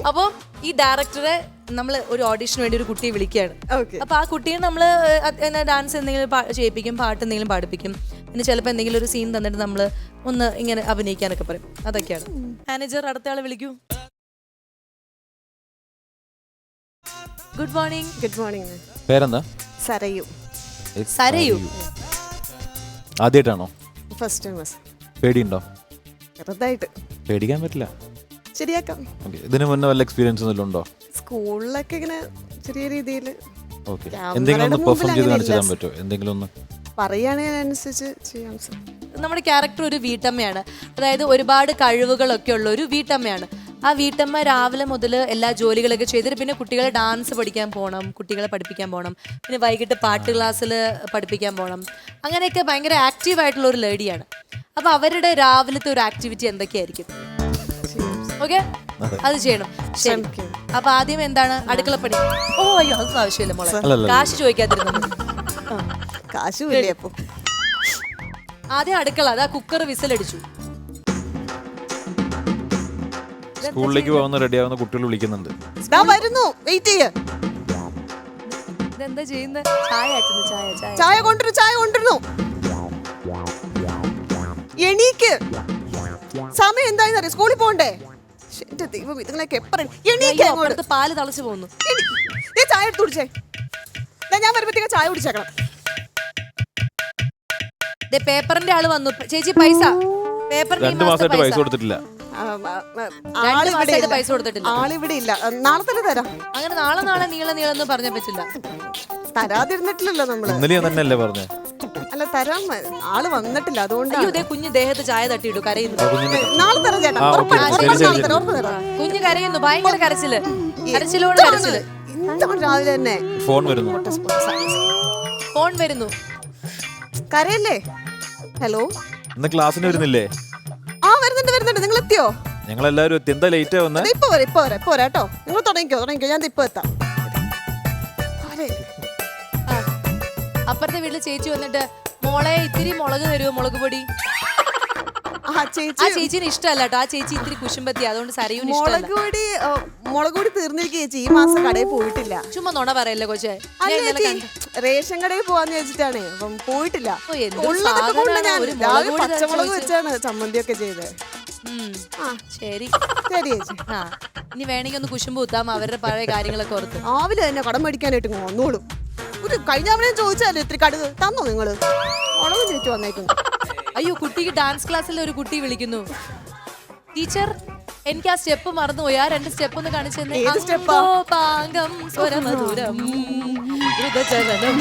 അപ്പോൾ ഈ ഡയറക്ടറെ നമ്മൾ ഒരു ഓഡിഷന് വേണ്ടി ഒരു കുട്ടിയെ വിളിക്കുകയാണ്. അപ്പൊ ആ കുട്ടിയെ നമ്മൾ ഡാൻസ് എന്തെങ്കിലും ചെയ്യിപ്പിക്കും, പാട്ട് എന്തെങ്കിലും പാടിപ്പിക്കും, പിന്നെ ചിലപ്പോൾ എന്തെങ്കിലും ഒരു സീൻ തന്നിട്ട് നമ്മൾ ഒന്ന് ഇങ്ങനെ അഭിനയിക്കാനൊക്കെ പറയും. അതൊക്കെയാണ്. മാനേജർ അടുത്ത ആളെ വിളിക്കൂ. Good morning. Good morning. പേരെന്താ? സരയു. സരയു. ആദ്യമായിട്ടാണോ? First time. പേടിയുണ്ടോ? ചെറുതായിട്ട്. പേടിക്കാൻ പറ്റില്ല, ശരിയാക്കാം. ഇതിന് മുന്നേ വല്ല എക്സ്പീരിയൻസ് എന്തെങ്കിലും ഉണ്ടോ? സ്കൂളിലൊക്കെ ഇങ്ങനെ ചെറിയ രീതിയിൽ എന്തെങ്കിലും ഒന്ന് പെർഫോം ചെയ്ത് കാണിച്ചു തരാൻ പറ്റുമോ? എന്തെങ്കിലും ഒന്ന് പറയുകയാണെങ്കിൽ അതിനനുസരിച്ച് ചെയ്യാം. നമ്മുടെ ക്യാരക്ടർ ഒരു വീട്ടമ്മയാണ്, അതായത് ഒരുപാട് കഴിവുകളൊക്കെ ഉള്ള ഒരു വീട്ടമ്മയാണ്. ആ വീട്ടമ്മ രാവിലെ മുതൽ എല്ലാ ജോലികളൊക്കെ ചെയ്തിട്ട് പിന്നെ കുട്ടികളെ ഡാൻസ് പഠിക്കാൻ പോകണം, കുട്ടികളെ പഠിപ്പിക്കാൻ പോകണം, പിന്നെ വൈകിട്ട് പാട്ട് ക്ലാസ്സിൽ പഠിപ്പിക്കാൻ പോകണം. അങ്ങനെയൊക്കെ ഭയങ്കര ആക്റ്റീവായിട്ടുള്ള ഒരു ലേഡിയാണ്. അപ്പോൾ അവരുടെ രാവിലത്തെ ഒരു ആക്ടിവിറ്റി എന്തൊക്കെയായിരിക്കും? ഓക്കെ, അത് ചെയ്യണം. ശരി. അപ്പൊ ആദ്യം എന്താണ്? അടുക്കളപ്പണി. ഓ അയ്യോ, അതൊന്നും ആവശ്യമില്ല മോളെ, കാശ് ചോദിക്കാതിരുന്നത്. കാശ് ആദ്യം അടുക്കള. അതാ കുക്കർ വിസിലടിച്ചു. സ്കൂളിലേക്ക് പോകുന്ന റെഡിയാവുന്ന കുട്ടികൾ വിളിക്കുന്നുണ്ട്. ഇതെന്താ ചെയ്യുന്നത്? ചായ ആക്കുന്നു. ചായ കൊണ്ടുവരുന്നു. എണീക്ക്, സമയം എന്തായെന്നറിയാം, സ്കൂളിൽ പോണ്ടേ? എന്റെ ദൈവം, ഇതുങ്ങളൊക്കെ എപ്പോഴും പാല് തളച്ചു പോകുന്നു. ചായ എടുത്ത് കുടിച്ചേ. ഞാൻ വരുമ്പോഴത്തേക്ക് ചായ കുടിച്ചേക്കണം. പേപ്പറിന്റെ ആള് വന്നു. ചേച്ചി പൈസ. പേപ്പറിന് 2 മാസമായിട്ട് പൈസ കൊടുത്തിട്ടില്ല. പൈസ കൊടുത്തിട്ടില്ല. ആളിവിടെ ഇല്ല. നാളെ തന്നെ തരാം. അങ്ങനെ നാളെ നീളെന്ന് പറഞ്ഞാൽ പറ്റില്ല. തരാതിരുന്നിട്ടില്ലല്ലോ നമ്മള്. ഇന്നലെ തന്നെയല്ലേ പറഞ്ഞേ? അല്ല, തരാം. ആള് വന്നിട്ടില്ല, അതുകൊണ്ട്. കുഞ്ഞ് ദേഹത്ത് ചായ തട്ടിയിട്ടു, കരയുന്നു. നാളെ തരാം ചേട്ടാ. കുഞ്ഞ് കരയുന്നു, ഭയങ്കര കരച്ചിലോട് കരച്ചില്. രാവിലെ തന്നെ ഫോൺ വരുന്നു. കരയല്ലേ? ഹലോ, ഇന്ന് ക്ലാസ്സിന് വരുന്നില്ലേ? വരുന്നുണ്ട്. നിങ്ങൾ എത്തിയോ? ഞങ്ങളെല്ലാരും എത്തി. എന്താ ലേറ്റ് ആവുന്നത്? ഇപ്പൊ വരാം കേട്ടോ. നിങ്ങൾ തുടങ്ങിക്കോ. ഞാൻ ഇപ്പൊ എത്താം. അപ്പുറത്തെ വീട്ടില് ചേച്ചി വന്നിട്ട്, മോളെ ഇത്തിരി മുളക് തരുമോ, മുളക് പൊടി? ആ ചേച്ചിന് ഇഷ്ടമല്ല കേട്ടോ. ആ ചേച്ചി ഇത്തിരി കുശുമ്പത്തി, അതുകൊണ്ട് സരയൂന് മുളക് പൊടി തീർന്നിരിക്കും ചേച്ചി. ഈ മാസം കടയിൽ പോയിട്ടില്ല. ചുമ്മാ നുണ പറയല്ലേ കൊച്ചേ. റേഷൻ കടയിൽ പോവാന്ന് വെച്ചിട്ടാണ്, അപ്പം പോയിട്ടില്ല. പച്ചമുളക് വെച്ചാണ് ചമ്മന്തിയൊക്കെ ചെയ്തത്. ശരി ചേച്ചി. ഇനി വേണമെങ്കിൽ ഒന്ന് കുശുമ്പ് കുത്താം, അവരുടെ പഴയ കാര്യങ്ങളൊക്കെ ഓർത്ത്. രാവിലെ തന്നെ കടം മേടിക്കാനായിട്ട് വന്നോളും. ഒരു കഴിഞ്ഞ ചോദിച്ചാലോ ഇത്തിരി കടുക് തന്നോ നിങ്ങള്? മുളക് ചോദിച്ചു വന്നേക്കുന്നു. അയ്യോ, കുട്ടിക്ക് ഡാൻസ് ക്ലാസ്സിൽ ഒരു കുട്ടി വിളിക്കുന്നു. ടീച്ചർ, എനിക്ക് ആ സ്റ്റെപ്പ് മറന്നുപോയി. ആ 2 സ്റ്റെപ്പ് ഒന്ന് കാണിച്ചെന്നെ. പാങ്കം സ്വരമധുരം ദ്രുതചലനം.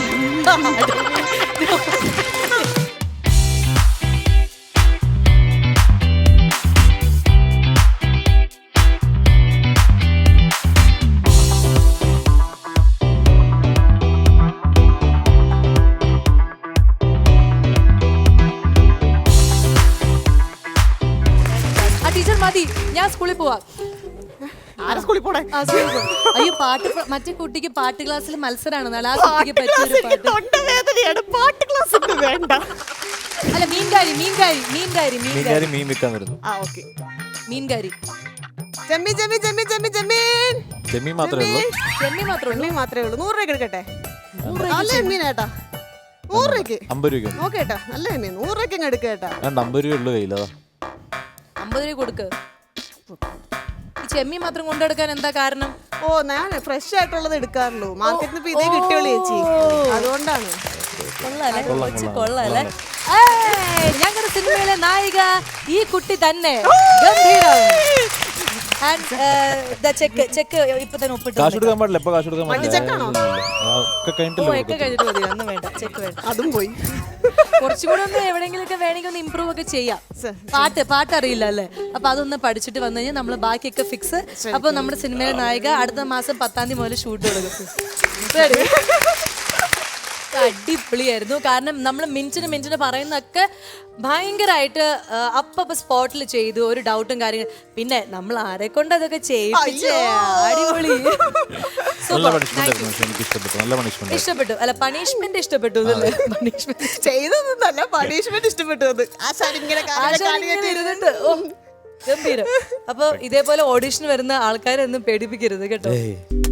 മതി, ഞാൻ സ്കൂളിൽ പോവാ. അയ്യോ, മറ്റേ കുട്ടിക്ക് പാട്ട് ക്ലാസ്സിൽ മത്സരമാണ്. അല്ല, മീൻകാരി. ചെമ്മീൻ മാത്രമേ ഉള്ളൂ. 100 രൂപ എടുക്കട്ടെ? നല്ല മീനേട്ടാ. 100 രൂപയ്ക്ക്. 50 രൂപ നോക്കേട്ടാ. നല്ല മീൻ 100 രൂപയ്ക്ക് എടുക്കേട്ടാ. 50 രൂപ ഉള്ളു കയ്യിലോ. 50 രൂപ കൊടുക്ക്. ഈ ചെമ്മീൻ മാത്രം കൊണ്ടെടുക്കാൻ എന്താ കാരണം? ഞാൻ ഫ്രഷ് ആയിട്ടുള്ളത് എടുക്കാറുള്ളൂ. മാർക്കറ്റിൽ നിന്ന് ഇതേ കിട്ടിയുള്ളൂ ചേച്ചി, അതുകൊണ്ടാണ്. കൊള്ളാല്ലേ? ഞങ്ങളുടെ സിനിമയിലെ നായിക ഈ കുട്ടി തന്നെ. ഗംഭീരം. ചെക്ക് ഇപ്പൊ തന്നെ ഒപ്പിട്ടു. കാശ് കൊടുക്കാൻ പാടില്ല. ഇപ്പൊ കാശ് കൊടുക്കാൻ പാടില്ല. അതും പോയി. കുറച്ചുകൂടെ ഒന്ന് എവിടെയെങ്കിലും വേണമെങ്കിൽ ഒന്ന് ഇമ്പ്രൂവ് ഒക്കെ ചെയ്യാം. പാട്ട് അറിയില്ല അല്ലേ? അപ്പൊ അതൊന്ന് പഠിച്ചിട്ട് വന്നു കഴിഞ്ഞാൽ നമ്മള് ബാക്കിയൊക്കെ ഫിക്സ്. അപ്പൊ നമ്മുടെ സിനിമയിലെ നായിക അടുത്ത മാസം 10-ാം തീയതി മുതൽ ഷൂട്ട് തുടങ്ങും. അടിപൊളിയായിരുന്നു. കാരണം നമ്മൾ മിനിറ്റിന് പറയുന്നൊക്കെ ഭയങ്കരമായിട്ട് അപ്പൊ സ്പോട്ടിൽ ചെയ്തു. ഒരു ഡൗട്ടും കാര്യങ്ങളും. പിന്നെ നമ്മൾ ആരെ കൊണ്ട് അതൊക്കെ ചെയ്യിപ്പിച്ചേ. അടിപൊളി. ഇഷ്ടപ്പെട്ടു. അല്ല, പണിഷ്മെന്റ് ഇഷ്ടപ്പെട്ടു. ചെയ്തതൊന്നല്ല, പണിഷ്മെന്റ് ഇഷ്ടപ്പെട്ടു. ഗംഭീരം. അപ്പൊ ഇതേപോലെ ഓഡിഷൻ വരുന്ന ആൾക്കാരെ ഒന്നും പേടിപ്പിക്കരുത് കേട്ടോ. ഏയ്